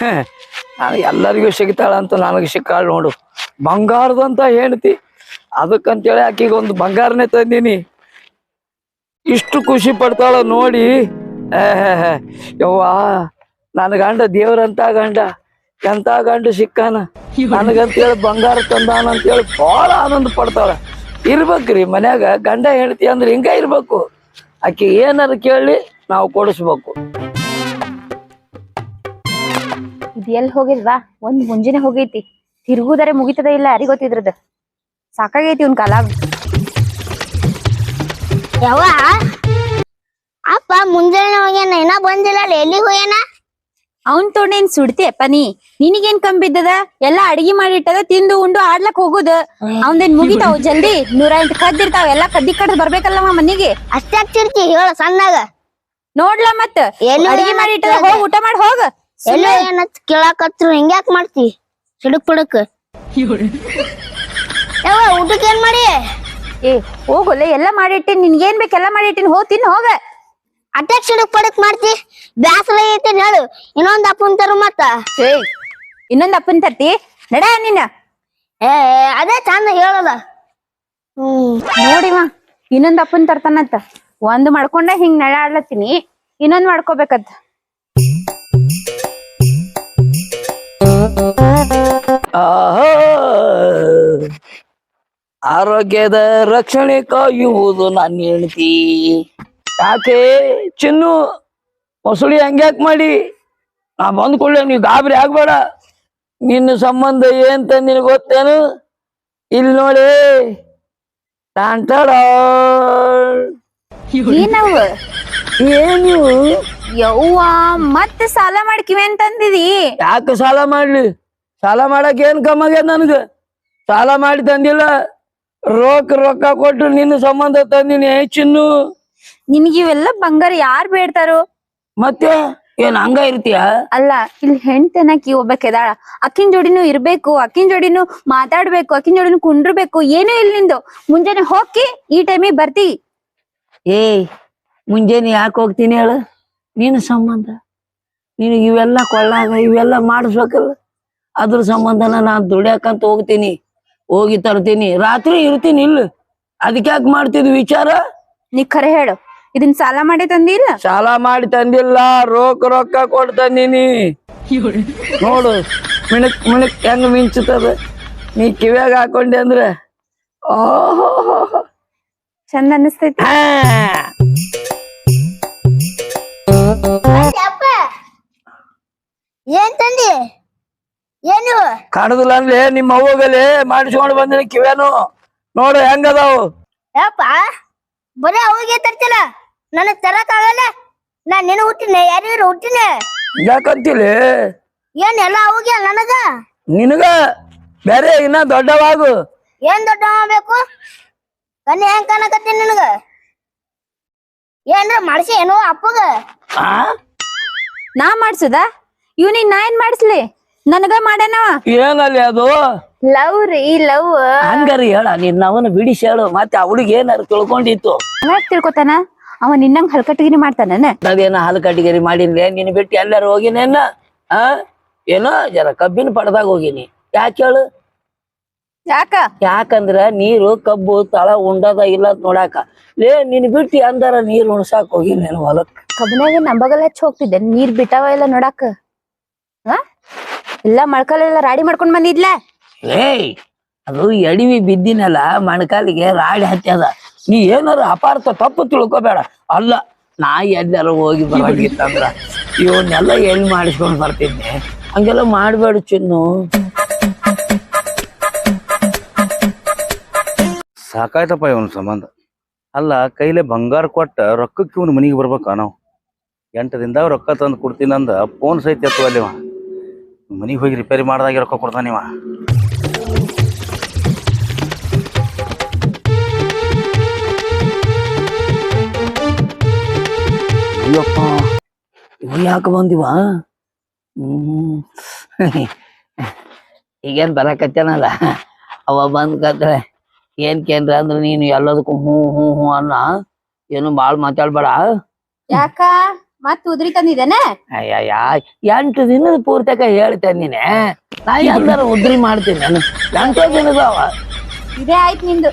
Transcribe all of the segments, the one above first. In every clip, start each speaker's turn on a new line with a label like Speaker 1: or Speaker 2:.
Speaker 1: ನಾನು ಎಲ್ಲರಿಗೂ ಸಿಗ್ತಾಳಂತ ನನಗೆ ಸಿಕ್ಕಾಳ ನೋಡು. ಬಂಗಾರದಂತ ಹೇಳ್ತಿ, ಅದಕ್ಕಂತೇಳಿ ಆಕಿಗೆ ಒಂದು ಬಂಗಾರನೇ ತಂದೀನಿ. ಇಷ್ಟು ಖುಷಿ ಪಡ್ತಾಳ ನೋಡಿ. ಯವ್ವ, ನನ್ನ ಗಂಡ ದೇವ್ರಂತ ಗಂಡ, ಎಂತ ಗಂಡ ಸಿಕ್ಕಾನ ನನಗಂತೇಳಿ ಬಂಗಾರ ತಂದಾನ ಅಂತೇಳಿ ಬಹಳ ಆನಂದ ಪಡ್ತಾಳ. ಇರ್ಬೇಕ್ರಿ ಮನ್ಯಾಗ ಗಂಡ ಹೆಂಡತಿ ಅಂದ್ರೆ ಹಿಂಗ ಇರ್ಬೇಕು. ಆಕಿ ಏನಾರು ಕೇಳಿ ನಾವು ಕೊಡಿಸ್ಬೇಕು.
Speaker 2: ಇದು ಎಲ್ಲಿ ಹೋಗಿಲ್ವಾ? ಒಂದ್ ಮುಂಜಾನೆ ಹೋಗೈತಿ, ತಿರುಗುದರೆ ಮುಗಿತದ ಇಲ್ಲ ಯಾರಿಗ ಗೊತ್ತಿದ್ರದ. ಸಾಕಾಗೈತಿ ಒಂದ್ ಕಾಲ.
Speaker 3: ಯಾವ ಅಪ್ಪ ಮುಂಜಾನೆ ಹೋಗ್ಯಾನ, ಇನ್ನ ಬಂದಿಲ್ಲ, ಎಲ್ಲಿಗೆ ಹೋಗ್ಯಾನ?
Speaker 2: ಅವನ್ ತೊಂಡೇನ್ ಸುಡ್ತಿ ಅಪ್ಪ ನೀ? ನಿನಗೇನ್ ಕಂಬಿದ್ದದ? ಎಲ್ಲಾ ಅಡಿಗೆ ಮಾಡಿಟ್ಟದ, ತಿಂದು ಉಂಡು ಆಡ್ಲಕ್ ಹೋಗುದ. ಅವಂದೇನ್ ಮುಗಿತಾವ್ ಜಲ್ದಿ? 108 ಕದ್ದಿರ್ತಾವ, ಎಲ್ಲಾ ಕದ್ದಿ ಕಡ್ದ್ ಬರ್ಬೇಕಲ್ಲವ ಮನಿಗೆ.
Speaker 3: ಅಷ್ಟೇ ಆಗ್ತಿರ್ತಿ ಹೇಳ ಸಣ್ಣಾಗ.
Speaker 2: ನೋಡ್ಲಾ ಮತ್ತ ಅಡಿಗೆ ಮಾಡಿಟ್ಟದ, ಹೋಗ್ ಊಟ ಮಾಡಿ ಹೋಗ.
Speaker 3: ಎಲ್ಲ ಏನ ಕೇಳಾಕತ್ರು ಹಿಂಗ್ಯಾಕ್ ಮಾಡ್ತಿ? ಸಿಡಕ್ ಪಡಕ್ ಯಾವ ಊಟಕ್ಕೆ ಏನ್ ಮಾಡಿ?
Speaker 2: ಏ ಹೋಗಲ್ಲ, ಎಲ್ಲಾ ಮಾಡಿಟ್ಟಿನ್, ನಿನ್ಗೇನ್ ಬೇಕೆಲ್ಲಾ ಮಾಡಿಟ್ಟಿನ್, ಹೋಗ್ ತಿನ್ ಹೋಗ.
Speaker 3: ಅಟ್ಯಾಕ್ ಸಿಡಕ್ ಪಡಕ್ ಮಾಡ್ತಿ? ಬ್ಯಾಸರ ಐತೆ ಹೇಳು, ಇನ್ನೊಂದ್ ಅಪ್ಪನ್ ತರು ಮತ್ತ.
Speaker 2: ಏ ಇನ್ನೊಂದ್ ಅಪ್ಪನ್ ತರ್ತಿ ನಡ ನೀನ.
Speaker 3: ಏ ಅದೇ ಚಂದ ಹೇಳಲ್ಲ.
Speaker 2: ನೋಡಿವ ಇನ್ನೊಂದ್ ಅಪ್ಪನ್ ತರ್ತಾನಂತ. ಒಂದ್ ಮಾಡ್ಕೊಂಡ ಹಿಂಗ್ ನಡಾಡ್ಲತ್ತೀನಿ, ಇನ್ನೊಂದ್ ಮಾಡ್ಕೋಬೇಕಂತ.
Speaker 1: ಆರೋಗ್ಯದ ರಕ್ಷಣೆ ಕಾಯುವುದು ನನ್ನ ಹೆಂಡತಿ. ಯಾಕೆ ಚಿನ್ನು ಮೊಸಳಿ ಹಂಗ್ಯಾಕ್ ಮಾಡಿ? ನಾ ಬಂದ್ ಕೂಡಲೇ ನೀವ್ ಗಾಬರಿ ಆಗ್ಬೇಡ. ನಿನ್ನ ಸಂಬಂಧ ಏನ್ ನಿನಗೆ ಗೊತ್ತೇನು? ಇಲ್ಲಿ ನೋಡಿ,
Speaker 2: ಏನವ
Speaker 1: ಏನು
Speaker 2: ಯವ್ವ, ಮತ್ತ ಸಾಲ ಮಾಡ್ಕಿವಿ ಅಂತಂದಿದಿ?
Speaker 1: ಯಾಕೆ ಸಾಲ ಮಾಡ್ಲಿ? ಸಾಲ ಮಾಡಕ್ ಏನ್ ಕಮ್ಮಾಗ್ಯದ ನನ್ಗ? ಸಾಲ ಮಾಡಿ ತಂದಿಲ್ಲ, ರೊಕ್ಕ ಕೊಟ್ಟು ನಿನ್ನ ಸಂಬಂಧ ತಂದಿನಿ ಚಿನ್ನು.
Speaker 2: ನಿನ್ಗಿವೆಲ್ಲ ಬಂಗಾರ ಯಾರ್ ಬೇಡ್ತಾರೋ?
Speaker 1: ಮತ್ತೆ ಏನ್ ಹಂಗ ಇರ್ತೀಯ?
Speaker 2: ಅಲ್ಲ, ಇಲ್ಲಿ ಹೆಣ್ತನಕಿ ಒಬ್ಬಾಕೆದಾಳ, ಅಕ್ಕಿನ ಜೋಡಿನೂ ಇರ್ಬೇಕು, ಅಕ್ಕಿನ ಜೋಡಿನೂ ಮಾತಾಡ್ಬೇಕು, ಅಕ್ಕಿನ ಜೋಡಿನೂ ಕುಂಡ್ರಬೇಕು. ಏನೂ ಇಲ್ಲ ನಿಂದು. ಮುಂಜಾನೆ ಹೋಗಿ ಈ ಟೈಮಿಗೆ ಬರ್ತಿ.
Speaker 1: ಮುಂಜಾನೆ ಯಾಕೆ ಹೋಗ್ತೀನಿ ಹೇಳು? ನಿನ್ನ ಸಂಬಂಧ. ನಿನಗೆ ಇವೆಲ್ಲ ಕೊಳ್ಳಾಗ ಇವೆಲ್ಲ ಮಾಡಿಸ್ಬೇಕಲ್ಲ, ಅದ್ರ ಸಂಬಂಧನ ನಾನ್ ದುಡ್ಯಾಕಂತ ಹೋಗ್ತೀನಿ, ಹೋಗಿ ತರ್ತೀನಿ, ರಾತ್ರಿ ಇರ್ತೀನಿ ಇಲ್ಲ. ಅದಕ್ಕೆ ಯಾಕೆ ಮಾಡ್ತಿದ್ವಿ ವಿಚಾರ?
Speaker 2: ನೀ ಖರೆ ಹೇಳು, ಇದನ್ ಸಾಲ ಮಾಡಿ ತಂದಿಲ್ಲ?
Speaker 1: ಸಾಲ ಮಾಡಿ ತಂದಿಲ್ಲ, ರೊಕ್ಕ ಕೊಟ್ಟು ತಂದೀನಿ. ನೋಡು ಮಿಣಕ್ ಮಿಣಕ್ ಹೆಂಗ ಮಿಂಚುತ್ತದ. ನೀ ಕಿವ್ಯಾಗ ಹಾಕೊಂಡೆ ಅಂದ್ರೆ
Speaker 2: ಚಂದ ಅನಿಸ್ತೈತಿ.
Speaker 3: ಏನ್ ತಂದಿ? ಏನು
Speaker 1: ಕಾಣದಿಲ್ಲ ಅಂದ್ರೆ ನಿಮ್ಮ ಅವ್ವಗಲೆ ಮಾಡಿಸ್ಕೊಂಡು ಬಂದಿನಿ ಕಿವ್ಯಾನು. ನೋಡು ಹೆಂಗದಾವು.
Speaker 3: ಯಪ್ಪ ಬರೀ ಅವಿಗೆ ತರ್ತಿಲ್ಲ, ನನಗ್ ತರಕ್ ಆಗಲ್ಲ. ನಾನ್ ನಿನ್ನ ಹುಟ್ಟಿನ ಯಾರಿಗಾರು ಹುಟ್ಟಿನ?
Speaker 1: ಯಾಕಂತಿಲಿ?
Speaker 3: ಏನ್ ಎಲ್ಲ ಅವಿಗೆ ನನಗ?
Speaker 1: ನಿನಗ ಬೇರೆ ಇನ್ನ ದೊಡ್ಡವಾಗು.
Speaker 3: ಏನ್ ದೊಡ್ಡ ಬೇಕು? ಕಣ್ಣಿ ಹೆಂಗ್ ಕಾಣಕತ್ತೀನಿ ನಿನಗ? ಏನ್ರ ಮಾಡ್ಸಿ ಏನೋ ಅಪ್ಪಗ?
Speaker 2: ನಾ ಮಾಡ್ಸುದ? ಇವ್ನಿಗ್ ನಾ ಏನ್ ಮಾಡಿಸ್ಲಿ? ನನಗ ಮಾಡ್ಯಾನವ.
Speaker 1: ಏನಲ್ಲಿ ಅದು?
Speaker 2: ಲವ್ ರೀ, ಲವ್.
Speaker 1: ಹಂಗಾರಿ ಹೇಳ, ನೀನ್ ಅವನ ಬಿಡಿಸಿ ಹೇಳು. ಮತ್ತೆ ಅವಳಿಗೆ ಏನಾರು ತಿಳ್ಕೊಂಡಿತ್ತು?
Speaker 2: ಯಾಕೆ ತಿಳ್ಕೊತಾನ? ಅವ ನಿನ್ನಂಗ್ ಹಲ್ಕಟ್ಟಿಗಿರಿ ಮಾಡ್ತಾನ?
Speaker 1: ಅದೇನ ಹಾಲು ಕಟ್ಟಿಗೆರಿ ಮಾಡಿನ್ಲೆ, ನಿನ್ ಬಿಟ್ಟು ಎಲ್ಲಾರು ಹೋಗಿನೇನ? ಏನೋ ಜರ ಕಬ್ಬಿನ ಪಡ್ದಾಗ ಹೋಗಿನಿ. ಯಾಕೆ ಹೇಳು? ಯಾಕಂದ್ರ ನೀರು ಕಬ್ಬು ತಳ ಉಂಡದ ಇಲ್ಲ ನೋಡಾಕ. ನಿನ್ ಬಿಟ್ಟು ಅಂದಾರ ನೀರ್ ಉಣ್ಸಾಕ್ ಹೋಗಿನೇನು ಹೊಲಕ್?
Speaker 2: ಕಬ್ಬನಾಗ ನಂಬಗಲ್ ಹಚ್ಚಿ ಹೋಗ್ತಿದ್ದೆ, ನೀರ್ ಬಿಟ್ಟಾವ ಇಲ್ಲ ನೋಡಾಕ. ಎಲ್ಲ ಮಳ್ಕಲೆಲ್ಲ ರಾಡಿ ಮಾಡ್ಕೊಂಡ್ ಬಂದಿದ್ಲ.
Speaker 1: ಅದು ಎಡಿವಿ ಬಿದ್ದಿನಲ್ಲ ಮಣ್ಕಾಲಿಗೆ ರಾಡಿ ಹತ್ಯದ. ನೀ ಏನಾರ ಅಪಾರ್ಥ ತಪ್ಪು ತಿಳ್ಕೊಬೇಡ. ಅಲ್ಲ, ನಾ ಎಲ್ಲಾರು ಹೋಗಿ ಬರಾಗಿತ್ತಂದ್ರ ಇವನ್ನೆಲ್ಲ ಎಲ್ಲಿ ಮಾಡಿಸ್ಕೊಂಡ್ ಬರ್ತಿದ್ದೆ. ಹಂಗೆಲ್ಲ ಮಾಡ್ಬೇಡ ಚಿನ್ನು.
Speaker 4: ಸಾಕಾಯ್ತಪ್ಪ ಇವನ್ ಸಂಬಂಧ. ಅಲ್ಲ, ಕೈಲೆ ಬಂಗಾರ ಕೊಟ್ಟ ರೊಕ್ಕಕ್ಕೆ ಇವನು ಮನಿಗೆ ಬರ್ಬೇಕ? ನಾವು 8 ದಿನದಾಗ ರೊಕ್ಕ ತಂದು ಕೊಡ್ತೀನಂದ ಫೋನ್ ಸಹಿತ ಎತ್ತು ಅಲ್ಲಿವ. ಮನಿಗೆ ಹೋಗಿ ರಿಪೇರಿ ಮಾಡ್ದಾಗೆ ರೊಕ್ಕ ಕೊಡ್ತಾನಿವ.
Speaker 1: ಅಯ್ಯಪ್ಪ, ಇವ ಯಾಕೆ ಬಂದಿವ? ಈಗೇನ್ ಬರಕತ್ತೇನಲ್ಲ, ಅವ ಬಂದ್ ಕತ್ರೆ ಏನ್ ಕೇಂದ್ರ ಅಂದ್ರ ನೀನು ಎಲ್ಲದಕ್ಕೂ ಹ್ಞೂ ಹ್ಞೂ ಹ್ಞೂ ಅನ್ನ. ಏನು ಬಾಳ್ ಮಾತಾಡ್ಬೇಡ.
Speaker 2: ಯಾಕ ಮತ್ ಉದ್ರಿ ತಂದಿದ್ದೇನೆ
Speaker 1: ಅಯ್ಯಯ್ಯ 8 ದಿನದ ಪೂರ್ತಕ ಹೇಳ್ತೇನೆ ನೀನೆ ನಾ ಎಲ್ಲಾರ ಉದ್ರಿ ಮಾಡ್ತೀನಿ ನಾನು 8 ದಿನದವ
Speaker 2: ಇದೇ ಆಯ್ತು ನಿಂದು.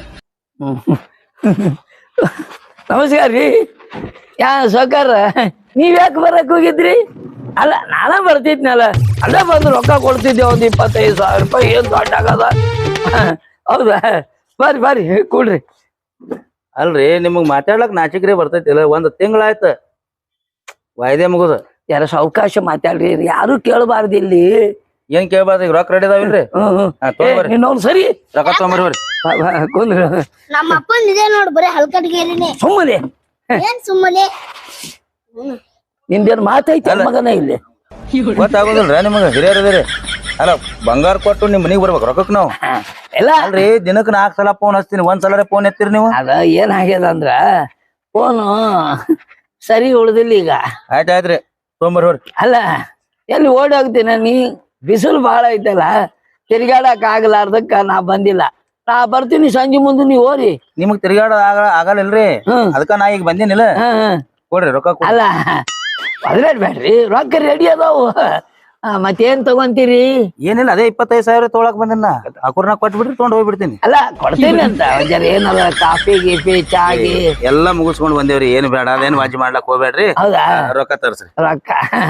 Speaker 1: ನಮಸ್ಕಾರ ರೀ ಸಾವ್ಕಾರ ನೀವ್ ಯಾಕೆ ಬರಕ್ ಹೋಗಿದ್ರಿ? ಅಲ್ಲ ನಾನ ಬರ್ತಿದ್ನಲ್ಲ ಅಲ್ಲೇ ಬಂದು ರೊಕ್ಕ ಕೊಡ್ತಿದ್ದೆ 25,000 ರೂಪಾಯಿ ಏನ್ ದೊಡ್ಡ ಆಗದ. ಹೌದಾ ಬರ್ರಿ ಕೂಡ್ರಿ.
Speaker 4: ಅಲ್ರಿ ನಿಮಗ್ ಮಾತಾಡ್ಲಕ್ ನಾಚಿಕ್ರಿ ಬರ್ತೈತಿಲ್ಲ 1 ತಿಂಗಳಾಯ್ತ ವಾಯ್ದೆ ಮುಗುದ.
Speaker 1: ಯಾರ ಸಾವಕಾಶ ಮಾತಾಡ್ರಿ ಯಾರು ಕೇಳಬಾರ್ದು ಇಲ್ಲಿ.
Speaker 4: ಏನ್ ಕೇಳ್ಬಾರ್ದು ಈಗ ರೊಕ್ಕ ರೆಡಿ ಅದಾವಿಲ್ರಿ? ತಗೊಂಬರ್ರಿ
Speaker 1: ಇನ್ನೊಂದ್ ಸರಿ
Speaker 4: ರೊಕ್ಕ ತಗೊಂಬರ್ರಿ.
Speaker 1: ಕುಂದ್ರ
Speaker 3: ನಮ್ಮ ಅಪ್ಪನ್ ಇದೆ ನೋಡ್ ಬರೀ ಹಲ್ಕಟ್ಗೇರಿನೇ.
Speaker 1: ಸುಮ್ಮನೆ
Speaker 3: ಏನ್ ಸುಮ್ಮನೆ
Speaker 1: ನಿಂದೇನ್ ಮಾತೈತಿ ಮಗನ ಇಲ್ಲಿ
Speaker 4: ಗೊತ್ತಾಗೋದಿಲ್ರ ನಿಮಗ ಹಿರಿಯರದಿರಿ. ಅಲ್ಲ ಬಂಗಾರ ಕೊಟ್ಟು ನಿಮ್ ಮನಿಗ್ ಬರ್ಬೇಕು ರೊಕ್ಕಕ್ ನಾವು.
Speaker 1: ಎಲ್ಲ
Speaker 4: ಅಲ್ರಿ ದಿನಕ್ 4 ಸಲ ಫೋನ್ ಹಚ್ತೀನಿ, 1 ಸಲ ಫೋನ್ ಎತ್ತೀರಿ ನೀವು.
Speaker 1: ಅದ ಏನಾಗ್ಯದ ಅಂದ್ರ ಫೋನು ಸರಿ ಉಳ್ದಿಲ್ಲ ಈಗ.
Speaker 4: ಆಯ್ತಾಯ್ತ್ರಿ ತೊಗೊಂಬರ್ರಿ.
Speaker 1: ಅಲ್ಲ ಎಲ್ಲಿ ಓಡಿ ಹೋಗ್ತೀನ ನೀ? ಬಿಸಿಲು ಬಾಳ ಐತಲ್ಲ ತಿರ್ಗಾಡಕ್ ಆಗ್ಲಾರ್ದಕ್ಕ ನಾ ಬಂದಿಲ್ಲ. ನಾ ಬರ್ತೀನಿ ಸಂಜೆ ಮುಂದೆ ನೀವ್ ಓರಿ.
Speaker 4: ನಿಮಗ್ ತಿರ್ಗಾಡ ಆಗಲ್ರಿ ಅದಕ್ಕ ನಾ ಈಗ ಬಂದಿನಿಲ್ಲ. ಕೊಡ್ರಿ ರೊಕ್ಕ ಕೊಡ್ರಿ.
Speaker 1: ಅಲ್ಲ ಬೇಡ್ರಿ ರೊಕ್ಕ ರೆಡಿ ಅದಾವು. ಮತ್ತೇನ್ ತಗೊಂತೀರಿ?
Speaker 4: ಏನಿಲ್ಲ ಅದೇ 25,000 ತೊಗೊಳಕ್ ಬಂದಿನ ಅಕುರ್ನ ಕೊಟ್ಬಿಡ್ರಿ ತೊಗೊಂಡ್ ಹೋಗ್ಬಿಡ್ತೀನಿ.
Speaker 1: ಅಲ್ಲ ಕೊಡ್ತೀನಿ ಅಂತ ಜರ ಏನದ ಕಾಫಿ ಗೀಫಿ ಚಾಗಿ
Speaker 4: ಎಲ್ಲಾ ಮುಗಿಸ್ಕೊಂಡ್ ಬಂದೇವ್ರಿ. ಏನ್ ಬೇಡ ಅದೇನ್ ವಾಜಿ ಮಾಡ್ಲಕ್ ಹೋಗ್ಬೇಡ್ರಿ.
Speaker 1: ಹೌದಾ
Speaker 4: ರೊಕ್ಕ ತರ್ಸ್ರಿ.
Speaker 1: ರೊಕ್ಕ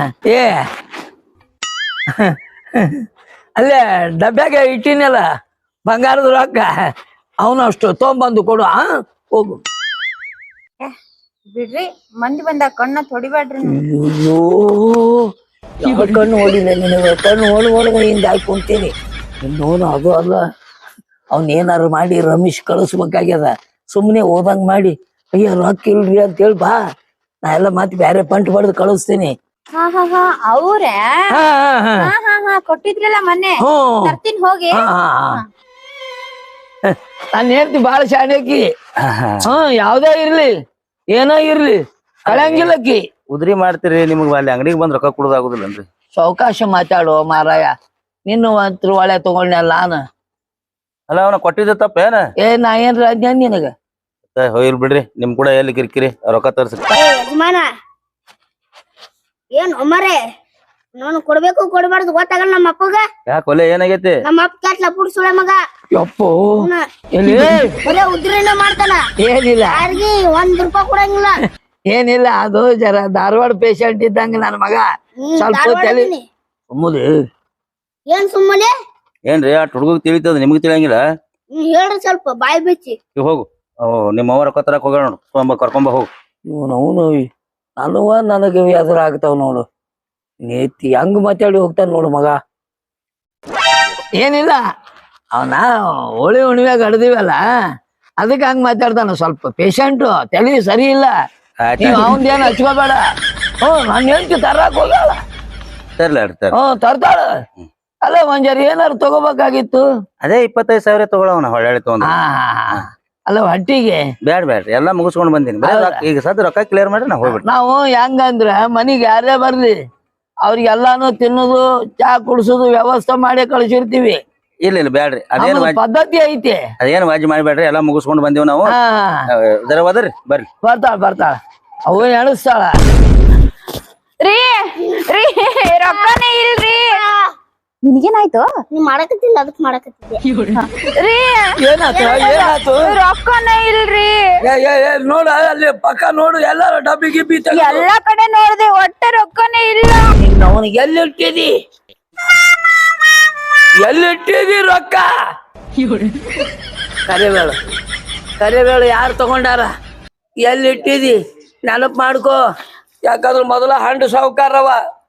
Speaker 1: ಅಲ್ಲೇ ಡಬ್ಬ್ಯಾಗ ಇಟ್ಟಿನಲ್ಲ ಬಂಗಾರದ ರೊಕ್ಕ ಅವನು ಅಷ್ಟು ತೊಗೊಂಬಂದು ಕೊಡು. ಹೋಗು.
Speaker 2: ಬಿಡ್ರಿ ಮಂದಿ ಬಂದ ಕಣ್ಣ ತೊಡಿಬೇಡ್ರಿ.
Speaker 1: ಅಯ್ಯೋ ಯಾವ ಕಣ್ಣು ಓಡಿಲ್ಲ ನಿನಗೆ? ಕಣ್ಣು ಓಡುವಾಗ ಹಿಂದೆ ಹಾಕೊಂತೀನಿ. ಇನ್ನೋನು ಅದು ಅಲ್ಲ ಅವನೇನಾರು ಮಾಡಿ ರಮೇಶ್ ಕಳಿಸ್ಬೇಕಾಗ್ಯದ. ಸುಮ್ಮನೆ ಓದಂಗ್ ಮಾಡಿ ಅಯ್ಯ ರೊಕ್ಕ ಇಲ್ರಿ ಅಂತ ಹೇಳಿ ಬಾ, ನಾ ಎಲ್ಲ ಮತ್ತೆ ಬೇರೆ ಪಂಟ್ ಬಡ್ದು ಕಳಿಸ್ತೀನಿ.
Speaker 2: ಅವ್ರೇ ಕೊಟ್ಟಿದ್ರಲ್ಲ ಮೊನ್ನೆ ತರ್ತೀನಿ ಹೋಗಿ.
Speaker 1: ನಾನು ಹೇಳ್ತಿ ಬಾಳ ಶಾಣಕಿ. ಯಾವ್ದೇ ಇರ್ಲಿ ಏನೋ ಇರ್ಲಿ ಕಳಂಗಿಲ್ಲಕ್ಕಿ.
Speaker 4: ಉದ್ರಿ ಮಾಡ್ತೀರಿ ನಿಮಗ್ ಅಲ್ಲಿ ಅಂಗಡಿಗೆ ಬಂದ್ ರೊಕ್ಕ ಕೊಡೋದಾಗುದಿಲ್ಲನ್ರಿ?
Speaker 1: ಸಾವಕಾಶ ಮಾತಾಡುವ ಮಾರಾಯ. ನಿನ್ನ ಒಂತ್ರ ಒಳ್ಳೆ ತಗೊಂಡ್ನಲ್ಲ ನಾನು.
Speaker 4: ಅಲ್ಲ ಅವನ ಕೊಟ್ಟಿದ್ದ ತಪ್ಪೇನ?
Speaker 1: ನಾ ಏನ್ರ ಅದ್ನ ನಿನಗ?
Speaker 4: ಹೋಗಿಲ್ ಬಿಡ್ರಿ ನಿಮ್ ಕೂಡ ಎಲ್ಲಿ ಕಿರಿಕಿರಿ ರೊಕ್ಕ ತರ್ಸ್ರಿ.
Speaker 3: ಯಜಮಾನ ಏನ್ ಒಮ್ಮರೆ ನಾನು ಕೊಡ್ಬೇಕು ಕೊಡ್ಬಾರ್ದು ಗೊತ್ತಾಗಲ್ಲ ನಮ್ಮ ಅಪ್ಪಗ.
Speaker 4: ಯಾಕೆ ಒಲೆ ಏನಾಗೈತಿ?
Speaker 3: ನಮ್ಮ ಅಪ್ಪ ಕ್ಯಾಟ್ಲ ಪುಡ್ಸುಳೆ ಮಗ.
Speaker 1: ಯಪ್ಪೋ ಎಲ್ಲಿ
Speaker 3: ಬರೇ ಉದ್ರಿನ ಮಾಡ್ತಾನ.
Speaker 1: ಏನಿಲ್ಲ
Speaker 3: ಯಾರಿಗಿ 1 ರೂಪಾಯಿ ಕೊಡಂಗಿಲ್ಲ.
Speaker 1: ಏನಿಲ್ಲ ಅದು ಜರ ಧಾರವಾಡ ಪೇಷಂಟ್ ಇದ್ದಂಗ ನನ್ನ ಮಗ. ಸ್ವಲ್ಪ ತಲೆ ಸುಮ್ಮನೆ
Speaker 3: ಏನ್ ಸುಮ್ಮನೆ
Speaker 4: ಏನ್ರಿ ಆ ಹುಡುಗ ತಿಳಿತದ ನಿಮಗ್ ತಿಳಿಯಂಗಿಲ್ಲ?
Speaker 3: ಹೇಳ್ರಿ ಸ್ವಲ್ಪ ಬಾಯಿ ಬಿಚ್ಚಿ.
Speaker 4: ಈಗ ಹೋಗು ನಿಮ್ಮ ಅವ್ವ ರೊಕ್ಕ ತರಕ್ ಹೋಗೋಣ ನೋಡು. ಕರ್ಕೊಂಬ ಹೋಗು.
Speaker 1: ಇವನು ನನಗೆ ಎದುರಾಗ್ತಾವ ನೋಡು. ನೇತಿ ಹಂಗ ಮಾತಾಡಿ ಹೋಗ್ತಾನ ನೋಡು ಮಗ. ಏನಿಲ್ಲ ಅವನ ಹೋಳಿ ಹುಣ್ಣಿಮ್ಯಾಗ ಹಡ್ದಿವಲ್ಲ ಅದಕ್ಕೆ ಹಂಗ ಮಾತಾಡ್ತಾನ. ಸ್ವಲ್ಪ ಪೇಷಂಟು ತಲೆ ಸರಿ ಇಲ್ಲ. ನೀವ್ ಅವಂದೇನು ಹಚ್ಕೋಬೇಡ. ನಾನು ಹೇಳ್ತಿ ತರಾಕ್ ಹೋಗ್ಯಾಳ. ತರ್ತಾಳ. ಅಲ್ಲ ಒಂಜಾರ ಏನಾರು ತಗೋಬೇಕಾಗಿತ್ತು.
Speaker 4: ಅದೇ 25,000 ತಗೊಳವನ ಹೊಳ್ಳಿ ತಗೊಂಡ.
Speaker 1: ಅಲ್ಲ ಹೊಟ್ಟಿಗೆ
Speaker 4: ಬ್ಯಾಡ್ರಿ ಎಲ್ಲಾ ಮುಗಿಸ್ಕೊಂಡ್ ಬಂದಿನಿ. ಈಗ ಸದ್ ರೊಕ್ಕ ಕ್ಲಿಯರ್ ಮಾಡ್ರಿ ನಾ ಹೋಗ್ಬಿಡ್ರಿ.
Speaker 1: ನಾವು ಹೆಂಗಂದ್ರ ಮನಿಗೆ ಯಾರೇ ಬರ್ಲಿ ಅವ್ರಿಗೆಲ್ಲಾನು ತಿನ್ನೋದು ಚಾ ಕುಡ್ಸೋದು ವ್ಯವಸ್ಥೆ ಮಾಡಿ ಕಳ್ಸಿರ್ತೀವಿ.
Speaker 4: ಇಲ್ಲ ಬ್ಯಾಡ್ರಿ ಅದೇನ್
Speaker 1: ಪದ್ಧತಿ ಐತಿ.
Speaker 4: ಅದೇನ್ ವಾಜಿ ಮಾಡ್ಬೇಡ್ರಿ ಎಲ್ಲಾ ಮುಗಿಸ್ಕೊಂಡ್ ಬಂದಿವ್ ನಾವು. ಜರ ಹೋದ್ರಿ ಬರ್ರಿ.
Speaker 1: ಬರ್ತಾಳ ಅವ ಎಣಿಸ್ತಾಳ.
Speaker 2: ರೀ ರೊಕ್ಕನೇ ಇಲ್ರಿ. ನಿನ್ಗೇನಾಯ್ತು?
Speaker 3: ನೀ ಮಾಡಕತ್ತಿಲ್ಲ ಅದಕ್ ಮಾಡಕತ್ತಿದ್ದೆ.
Speaker 2: ರೀ
Speaker 1: ಏನಾಯ್ತು?
Speaker 2: ರೊಕ್ಕನೇ ಇಲ್ರಿ.
Speaker 1: ನೋಡ ಅಲ್ಲಿ ಪಕ್ಕ ನೋಡು ಎಲ್ಲಾರು ಡಬ್ಬಿ ಗಿಬ್ಬಿ
Speaker 2: ಎಲ್ಲಾ ಕಡೆ ನೋಡ್ದೆ ಒಟ್ಟ ರೊಕ್ಕನೇ ಇಲ್ಲ.
Speaker 1: ಅವನಿಗೆ ಎಲ್ಲಿಟ್ಟಿದಿ ರೊಕ್ಕ? ಕರಿಬೇಳು ಯಾರು ತಗೊಂಡಾರ? ಎಲ್ಲಿಟ್ಟಿದಿ ನೆನಪ್ ಮಾಡ್ಕೋ. ಯಾಕಂದ್ರ ಮೊದಲ ಹಂಡು ಸಾವುಕಾರವ.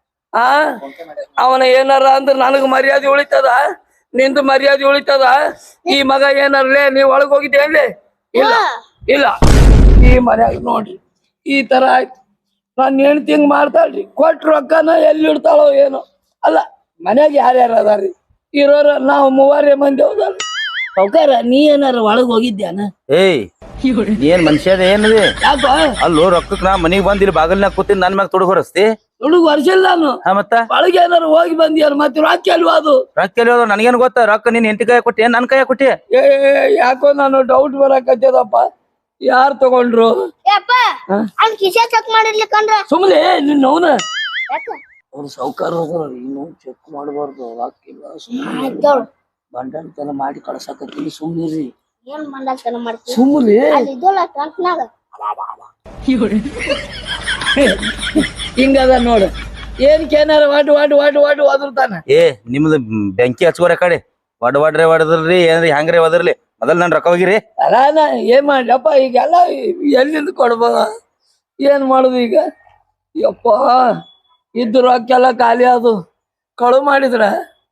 Speaker 1: ಅವನ ಏನಾರ ಅಂದ್ರ ನನಗ ಮರ್ಯಾದೆ ಉಳಿತದ, ನಿಂದು ಮರ್ಯಾದೆ ಉಳಿತದ. ಈ ಮಗ ಏನಾರಲೇ ನೀವ್ ಒಳಗ್ ಹೋಗಿದ್ದೇನ್ಲಿ? ಇಲ್ಲ ಈ ಮನ್ಯಾಗ ನೋಡ್ರಿ ಈ ತರ ಆಯ್ತು. ನಾನ್ ಹೆಣ್ತಿ ಹಿಂಗ್ ಮಾಡ್ತಾಳ್ರಿ. ಕೊಟ್ಟ ರೊಕ್ಕನ ಎಲ್ಲಿ ಇಡ್ತಾಳೋ ಏನೋ. ಅಲ್ಲ ಮನ್ಯಾಗ ಯಾರ್ಯಾರ ಅದಾರ್ರಿ? ಇರೋರ ನಾವು 3 ಮಂದಿ ಹೌದಲ್ರಿ. ಸಾವ್ಕಾರ ನೀ ಏನಾರ ಒಳಗ್ ಹೋಗಿದ್ಯಾನ?
Speaker 4: ಏನ್ ಮನುಷ್ಯದ ಏನಿದೆ?
Speaker 1: ಯಾಕ
Speaker 4: ಅಲ್ಲೋ ರೊಕ್ಕಕ್ ನಾ ಮನಿಗ್ ಬಂದ್ ಇಲ್ಲಿ ಬಾಗಲ್ನಾಗ ಕೂತೀನಿ ನನ್ ಮ್ಯಾಗ ತೊಡಗ್ ಹೊರಸ್ತಿ?
Speaker 1: ಹುಡುಗ ವರ್ಷಿಲ್ಲ ನಾನು.
Speaker 4: ಮತ್ತ
Speaker 1: ಒಳಗೆ ಏನಾರು ಹೋಗಿ ಬಂದಿಯಾರ ಮತ್ತೆ ರೊಕ್ಕ ಅಲ್ವಾ ಅದು?
Speaker 4: ರೊಕ್ಕ ಎಲ್ಲಿ ನನಗೇನ್ ಗೊತ್ತ? ರೊಕ್ಕ ನೀನ್ ಹೆಂಡತಿ ಕೈ ಕೊಟ್ಟಿ ನನ್ ಕೈ ಕೊಟ್ಟಿ?
Speaker 1: ಯಾಕೋ ನಾನು ಡೌಟ್ ಬರಕತ್ತದಪ್ಪ. ಯಾರ್ ತಗೊಂಡ್ರು?
Speaker 3: ಯಪ್ಪ
Speaker 1: ಹಾ?
Speaker 3: ಅವ್ನ್ ಕಿಸೆ ಚೆಕ್ ಮಾಡಿರ್ಲಿಕ್ಕಂದ್ರ
Speaker 1: ಸುಮ್ನೆ ನಿನ್ನ ಅವನ
Speaker 3: ಯಾಕ
Speaker 1: ಅವ್ರು ಸಾವ್ಕಾರ ಇನ್ನು ಚೆಕ್ ಮಾಡಬಾರ್ದು ಹಾಕಿಲ್ಲ
Speaker 3: ಆಯ್ತೋಳ್
Speaker 1: ಬಂಡತನ ಮಾಡಿ ಕಳ್ಸಾಕತ್ತೀನಿ ಸುಮ್ನಿರಿ
Speaker 3: ಏನ್ ಮಂಡಲ್ತನ ಮಾಡ್ತೀವಿ
Speaker 1: ಸುಮ್ಲಿ
Speaker 3: ಅಲ್ಲಿ ಇದ್ದೋಳ ಟ್ರಂಕ್ನಾಗ
Speaker 1: ಹಿಂಗದ ನೋಡು ಏನ್ಕೇನಾರ ವಾಟು ಒದರ್ತಾನ.
Speaker 4: ಏ ನಿಮ್ದು ಬೆಂಕಿ ಹಚ್ಕೋರ ಕಡೆ ವಡ್ರೆ ಹೊಡದ್ರಿ ಏನ್ರಿ ಹೆಂಗ್ರಿ ಒದರ್ಲಿ ಮೊದಲ್ ನನ್ ರೊಕ್ಕ ಹೋಗಿರಿ.
Speaker 1: ಅಲ್ಲ ನಾ ಏನ್ ಮಾಡ್ಲಪ್ಪ ಈಗೆಲ್ಲ ಎಲ್ಲಿಂದ ಕೊಡ್ಬೋದ ಏನ್ ಮಾಡುದು ಈಗ? ಯಪ್ಪ ಇದ್ದು ರೊಕ್ಕೆಲ್ಲ ಖಾಲಿ ಅದು ಕಳು ಮಾಡಿದ್ರ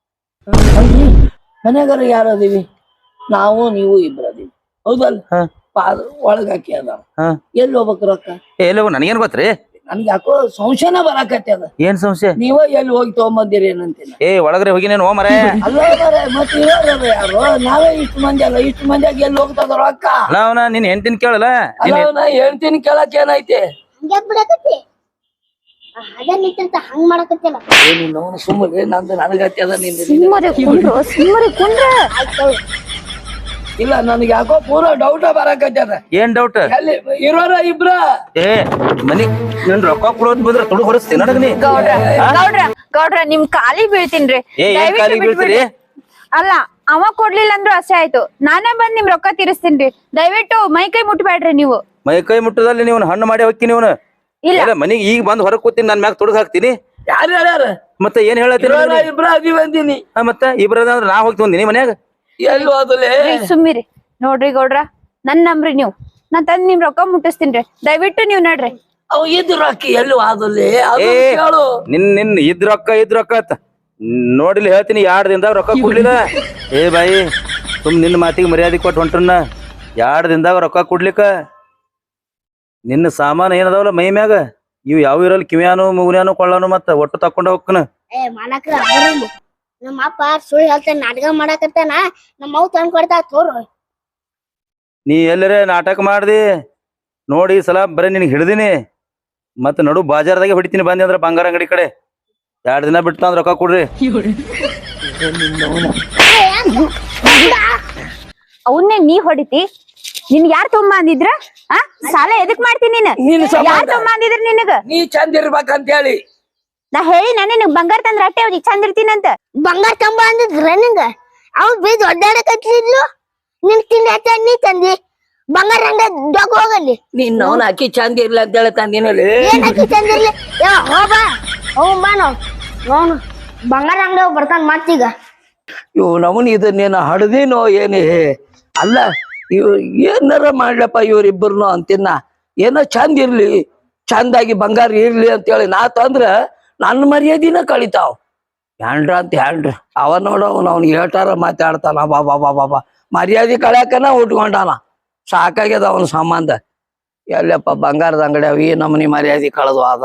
Speaker 1: ಮನೆಗಾರ ಯಾರು ಅದೀವಿ? ನಾವು ನೀವು ಇಬ್ರು ಅದೀವಿ ಹೌದಲ್ಲ?
Speaker 4: ಹಾ.
Speaker 1: ಪಾದ ಒಳಗ್ ಹಾಕಿ ಅದ
Speaker 4: ಹಾ.
Speaker 1: ಎಲ್ಲಿ ಹೋಗ್ಬೇಕು ರೊಕ್ಕ?
Speaker 4: ಎಲ್ಲೋ ನನಗೇನ್ ಗೊತ್ತ್ರಿ?
Speaker 1: ನನ್ಗೆ ಯಾಕೋ ಸಂಶಯನ ಬರಾಕತ್ತಿ ಅದ.
Speaker 4: ಏನ್ ಸಂಶಯ?
Speaker 1: ನೀವ ಎಲ್ಲಿ ಹೋಗಿ ತಗೊಂಬಂದಿರಿ ಏನಂತಿಲ್ಲ.
Speaker 4: ಏ ಒಳಗ್ರೆ ಹೋಗಿನೇನು ಮರ
Speaker 1: ಅಲ್ಲ ಮತ್ತೆ ಇರೋರು ಯಾರು? ನಾವೇ ಇಷ್ಟು ಮಂದಿ ಅಲ್ಲ, ಇಷ್ಟು ಮಂದಿಯಾಗಿ ಎಲ್ಲಿ ಹೋಗ್ತದ ರೊಕ್ಕ?
Speaker 4: ಅಲ್ಲ ಅವನ ನಿನ್ ಹೆಂಡತಿನ ಕೇಳಲ್ಲ.
Speaker 1: ಅಲ್ಲ ನಾ ಹೇಳ್ತೀನಿ ಕೇಳಕ್ ಏನೈತೆ?
Speaker 3: ಹಂಗ್ಯಾಕ್ ಬಿಡಕತ್ತಿ ಅದ ನಿಂತ ಹಂಗ್ ಮಾಡಕತ್ತಿಲ್ಲ
Speaker 1: ನೀನು ಸುಮ್ಮನೆ ನಂದು ನನಗತ್ತಿ ಅದ ನಿಂದ
Speaker 2: ಸುಮ್ಮನೆ ಕುಂಡ್ರ
Speaker 3: ಆಯ್ತೋಳ್
Speaker 1: ಇಲ್ಲ ನನಗೆ ಯಾಕೋ ಪೂರ ಡೌಟ ಬರಾಕತ್ತಿ ಅದ.
Speaker 4: ಏನ್ ಡೌಟ್?
Speaker 1: ಎಲ್ಲಿ ಇರೋರ ಇಬ್ರ?
Speaker 4: ಏ ಮನಿ ನನ್ ರೊಕ್ಕ ಕೊಡೋದ್ ಬಂದ್ರ ತುಡು ಹೊರಸ್ತೀನಿ ನನಗ ನೀ.
Speaker 2: ಗೌಡ್ರ ನಿಮ್ ಕಾಲಿಗ್ ಬೀಳ್ತೀನ್ರಿ.
Speaker 4: ಏ ಏನ್
Speaker 2: ದಯವಿಟ್ಟು
Speaker 4: ಕಾಲಿಗೆ ಬೀಳ್ತೀರಿ?
Speaker 2: ಅಲ್ಲ ಅವ ಕೊಡ್ಲಿಲ್ಲ ಅಂದ್ರು ಅಸೆ ಆಯ್ತು, ನಾನೇ ಬಂದ್ ನಿಮ್ ರೊಕ್ಕ ತೀರಿಸ್ತೀನ್ರಿ. ದಯವಿಟ್ಟು ಮೈ ಕೈ ಮುಟ್ಬೇಡ್ರಿ ನೀವು.
Speaker 4: ಮೈ ಕೈ ಮುಟ್ಟದಲ್ಲಿ ನೀವು ಹಣ್ಣು ಮಾಡಿ ಹೋಗ್ತೀನಿ ಇವನು.
Speaker 2: ಇಲ್ಲ
Speaker 4: ಮನಿಗ್ ಈಗ ಬಂದ್ ಹೊರಗ್ ಕೂತೀನಿ ನನ್ ಮ್ಯಾಗ ತುಡುಗ್ ಹಾಕ್ತೀನಿ.
Speaker 1: ಯಾರು ಹೇಳ್ಯಾರ?
Speaker 4: ಮತ್ತೆ ಏನ್ ಹೇಳತ್ತೀರಿ?
Speaker 1: ಇರೋರ ಇಬ್ರ ಅದೀವಿ ಅಂದಿನಿ.
Speaker 4: ಮತ್ತೆ ಇಬ್ರದ ಅಂದ್ರ ನಾ ಹೋಗ್ತಿ ಬಂದಿನಿ ಮನ್ಯಾಗ.
Speaker 1: ಎಲ್ಲಿ ಹೋದಲೆ?
Speaker 2: ಸುಮ್ಮಿರಿ ನೋಡ್ರಿ ಗೌಡ್ರ, ನನ್ ನಂಬ್ರಿ ನೀವು. ನಾನ್ ತಂದ್ ನಿಮ್ ರೊಕ್ಕ ಮುಟ್ಟಿಸ್ತೀನ್ರಿ, ದಯವಿಟ್ಟು ನೀವ್ ನಡ್ರಿ.
Speaker 1: ಅವ್ ಇದ್ ರೊಕ್ಕ ಎಲ್ಲಿ ಹೋದಲೆ ಅದು
Speaker 4: ಏ
Speaker 1: ಕೇಳು.
Speaker 4: ನಿನ್ ಇದ್ ರೊಕ್ಕ ಅತ್ತ ನೋಡಿಲಿ ಹೇಳ್ತೀನಿ. 2 ದಿನದಾಗ ರೊಕ್ಕ ಕೊಡ್ಲಿಲ್ಲ. ಏ ಬಾಯಿ ಸುಮ್ ನಿನ್ನ ಮಾತಿಗೆ ಮರ್ಯಾದೆ ಕೊಟ್ಟು ಹೊಂಟ್ರನ್ನ. 2 ದಿನದಾಗ ರೊಕ್ಕ ಕೊಡ್ಲಿಕ್ಕ ನಿನ್ನ ಸಾಮಾನು ಏನದಾವಲ್ಲ ಮೈ ಮ್ಯಾಗ ಇವ್ ಯಾವ ಇರಲ್ ಕಿವ್ಯಾನು ಮುಗುನ್ಯಾನು ಕೊಳ್ಳಾನು ಮತ್ತ ಒಟ್ಟು ತಕೊಂಡ ಹೋಗ್ಕನ.
Speaker 3: ಏ ಮಾಲಕ್ರ ಬರಲಿ ನಮ್ಮ ಅಪ್ಪ ಸುಳ್ಳು ಹೇಳ್ತಾನ ನಾಟಕ ಮಾಡಕತ್ತಾನ. ನಮ್ಮ ಅವ್ ತಂದ್ ಕೊಡ್ತಾ ತೋರು
Speaker 4: ನೀ ಎಲ್ಲರೇ ನಾಟಕ ಮಾಡ್ದಿ ನೋಡಿ ಈ ಸಲ ಬರೀ ನಿನಗೆ ಹಿಡ್ದಿನಿ. ಮತ್ತ ನಡು ಬಾಜಾರ್ದಾಗೆ ಹೊಡಿತೀನಿ ಬಂದಿ ಅಂದ್ರ ಬಂಗಾರ ಅಂಗಡಿ ಕಡೆ. 2 ದಿನ ಬಿಟ್ಟು ಅಂದ್ರ ರೊಕ್ಕ ಕೊಡ್ರಿ.
Speaker 2: ಅವನ್ನೇ ನೀ ಹೊಡಿತಿ? ನಿನ್ ಯಾರ್ ತೊಂಬ ಅಂದಿದ್ರ? ಆ ಸಾಲ ಎದಕ್ ಮಾಡ್ತೀನಿ ನೀನ್?
Speaker 1: ನೀನ್ ಸಂಬಂಧ.
Speaker 2: ಯಾರ್ ತೊಂಬ ಅಂದಿದ್ರ ನಿನಗ?
Speaker 1: ನೀ ಚಂದ ಇರ್ಬೇಕಂತ ಹೇಳಿ
Speaker 2: ನಾ ಹೇಳಿ ನಿನಗ್ ಬಂಗಾರ ತಂದ್ರ ಅಟ್ಟೆ ಅವ್ರಿಗೆ ಚಂದ ಇರ್ತೀನಂತ.
Speaker 3: ಬಂಗಾರ ತಂಬ ಅಂದಿದ್ರ ನಿಂಗ ಅವ್ ಬೀದ್ ಒಡ್ಡಾಡಕತ್ತಿದ್ಲು. ನಿನ್ ತಿಂಡಿ ಹಚ್ಚ ನೀ ತಂದಿ ಬಂಗಾರ ಹಂಗ ಡೊಗ್ ಹೋಗಲ್ಲಿ.
Speaker 1: ನೀನ್ ಅವನ ಅಕ್ಕಿ ಚಂದ ಇರ್ಲ ಅಂತ ಹೇಳಿ ತಂದಿನಲ್ಲಿ.
Speaker 3: ಏನ್ ಹಾಕಿ ತಂದಿರ್ಲಿ ಹೋಗ ಬಾ ನೋನು ಬಂಗಾರ ಅಂಗಡಿ ಬರ್ತಾನ ಮತ್ತೀಗ.
Speaker 1: ಇವ್ ನಮನ್ ಇದನ್ನೇನ ಹಡ್ದಿನೋ ಏನೇ ಅಲ್ಲ. ಇವ್ ಏನಾರ ಮಾಡ್ಲಪ್ಪ ಇವ್ರಿಬ್ಬರ್ನು ಅಂತಿನ್ನ. ಏನೋ ಚಂದ ಇರ್ಲಿ, ಚಂದಾಗಿ ಬಂಗಾರ ಇರ್ಲಿ ಅಂತೇಳಿ ನಾ ತಂದ್ರ ನನ್ನ ಮರ್ಯಾದಿನ ಕಳಿತಾವ್. ಹ್ಯಾಂಡ್ರ ಅಂತ ಹ್ಯಾಂಡ್ರ ಅವ ನೋಡ ಅವ್ನು ಹೇಳ್ತಾರ ಮಾತಾಡ್ತಾನ. ಬಾಬಾ ಮರ್ಯಾದೆ ಕಳ್ಯಾಕನ ಉಟ್ಕೊಂಡಾನ. ಸಾಕಾಗ್ಯದ ಅವನ ಸಂಬಂಧ. ಎಲ್ಲಪ್ಪ ಬಂಗಾರದ ಅಂಗಡಿ ಅವ ಈ ನಮನಿ ಮರ್ಯಾದೆ ಕಳೆದು ಅದ.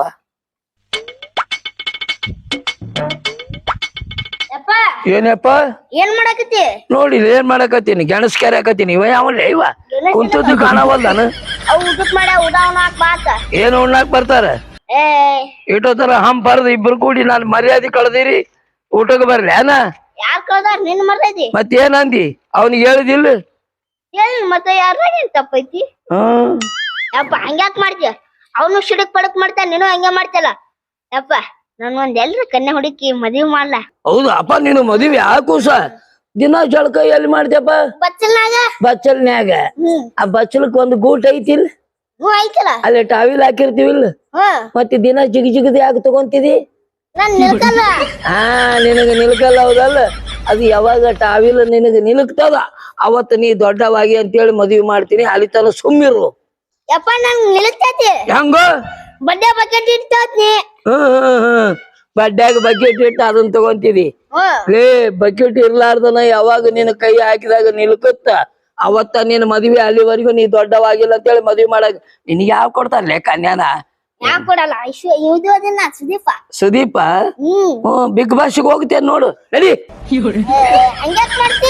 Speaker 3: ಯಪ್ಪ
Speaker 1: ಏನಪ್ಪ
Speaker 3: ಏನ್ ಮಾಡಕತ್ತಿ?
Speaker 1: ನೋಡಿ ಏನ್ ಮಾಡಕತ್ತೀನಿ? ಗೆಣಸ್ ಕೆರೆಕತ್ತೀನಿ. ಇವ ಯಾವಲ್ಲ ಇವ ಕುಂತದ್ದು ಕಾಣವಲ್ದಾನ.
Speaker 3: ಅವ್ ಊಟಕ್ ಮಾಡ ಉಡಾವನ ಬಾತ
Speaker 1: ಏನು ಉಣ್ಣಾಕ್ ಬರ್ತಾರ?
Speaker 3: ಏ
Speaker 1: ಇಟೋ ತರ ಹಂಪ್ ಬರ್ದು ಇಬ್ರು ಕೂಡಿ ನಾನು ಮರ್ಯಾದೆ ಕಳ್ದಿರಿ ಊಟಕ್ಕೆ ಬರ್ಲಿ ಅನ?
Speaker 3: ಯಾರ್ ಕಳ್ದಾರ ನಿನ್ ಮರ್ಯಾದಿ?
Speaker 1: ಮತ್ತೇನಂದಿ? ಅವನಿಗೆ ಹೇಳಿದಿಲ್ಲ?
Speaker 3: ಏನ್ ಮತ್ತೆ ಯಾರ ಏನ್ ತಪ್ಪೈತಿ? ಯಪ್ಪ ಹಂಗ್ಯಾಕ್ ಮಾಡ್ತೀಯ? ಅವನು ಸಿಡಕ್ ಪಡಕ್ ಮಾಡ್ತಾನ, ನೀನು ಹಂಗೆ ಮಾಡ್ತಿಯಲ್ಲ. ಯಪ್ಪ ನನ್ ಒಂದ್ ಎಲ್ರ ಕನ್ಯಾ ಹುಡುಕಿ ಮದ್ವಿ ಮಾಡ್ಲಾ?
Speaker 1: ಹೌದು ಅಪ್ಪ, ನೀನು ಮದುವೆ ಆಕೂಸ ದಿನ ಜಳಕ ಎಲ್ಲಿ ಮಾಡ್ತೇಪ್ಪ?
Speaker 3: ಬಚ್ಚಲ್ನಾಗ.
Speaker 1: ಬಚ್ಚಲ್ನ್ಯಾಗ. ಆ ಬಚ್ಚಲಕ್ ಒಂದು ಗೂಟ ಐತಿಲ್?
Speaker 3: ಐತಲ್ಲ.
Speaker 1: ಅಲ್ಲಿ ಟಾವಿಲ್ ಹಾಕಿರ್ತಿವಿಲ್ಲ? ಮತ್ತೆ ದಿನ ಜಿಗದ್ ಯಾಕೆ ತಗೊಂತಿದಿ?
Speaker 3: ನಾನ್ ನಿಲ್ಕಲ್ಲ.
Speaker 1: ನಿನಗ ನಿಲ್ಕಲ್ಲ ಹೌದಲ್ಲ? ಅದು ಯಾವಾಗ ಟಾವಿಲ್ ನಿನಗ ನಿಲ್ಕ್ತದ ಅವತ್ತು ನೀ ದೊಡ್ಡವಾಗಿ ಅಂತೇಳಿ ಮದ್ವಿ ಮಾಡ್ತೀನಿ. ಅಲ್ಲಿ ತನ ಸುಮ್ಮಿರು.
Speaker 3: ಯಪ್ಪ ನನ್ ನಿಲ್ತೈತಿ.
Speaker 1: ಹೆಂಗ?
Speaker 3: ಬಡ್ಡೆ ಬಕೆಟ್ ಇಡ್ತೈತಿ.
Speaker 1: ಬಡ್ಡ್ಯಾಗ ಬಕೆಟ್ ಇಟ್ಟು ಅದನ್ನ ತಗೊಂತಿದಿ? ಲೇ ಬಕೆಟ್ ಇರ್ಲಾರ್ದನ ಯಾವಾಗ ನಿನ್ನ ಕೈ ಹಾಕಿದಾಗ ನಿಲ್ಕತ್ತ ಅವತ್ತ ನಿನ್ ಮದ್ವಿ ಅಲ್ಲಿವರೆಗೂ ನೀ ದೊಡ್ಡವಾಗಿಲ್ಲ ಅಂತೇಳಿ ಮದ್ವಿ ಮಾಡಕ್ ನಿನ್ಗೆ ಯಾವ ಕೊಡ್ತಾರಲೇ ಕನ್ಯಾನ?
Speaker 3: ಯಾಕ್ ಕೊಡಲ್ಲ? ಇದು ಅದನ್ನ ಸುದೀಪ.
Speaker 1: ಸುದೀಪ? ಬಿಗ್ ಬಾಸ್ಗೆ ಹೋಗ್ತೇನೆ ನೋಡು ನಡಿ.
Speaker 3: ಹಂಗ್ಯಾಕ್ ಮಾಡ್ತಿ?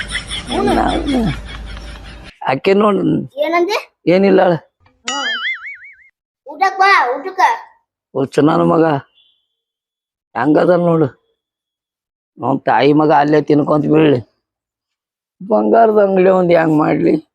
Speaker 1: ಅಕ್ಕಿ ನೋಡು
Speaker 3: ಏನಂದೆ?
Speaker 1: ಏನಿಲ್ಲ
Speaker 3: ಊಟಕ್ ಬಾ ಊಟಕ್ಕ.
Speaker 1: ನನ್ನ ಮಗ ಹೆಂಗದ ನೋಡು. ನಮ್ ತಾಯಿ ಮಗ ಅಲ್ಲೇ ತಿನ್ಕೊಂತ ಬೀಳ್ಲಿ. ಬಂಗಾರದ ಅಂಗಡಿ ಒಂದ್ ಹೆಂಗ್ ಮಾಡ್ಲಿ?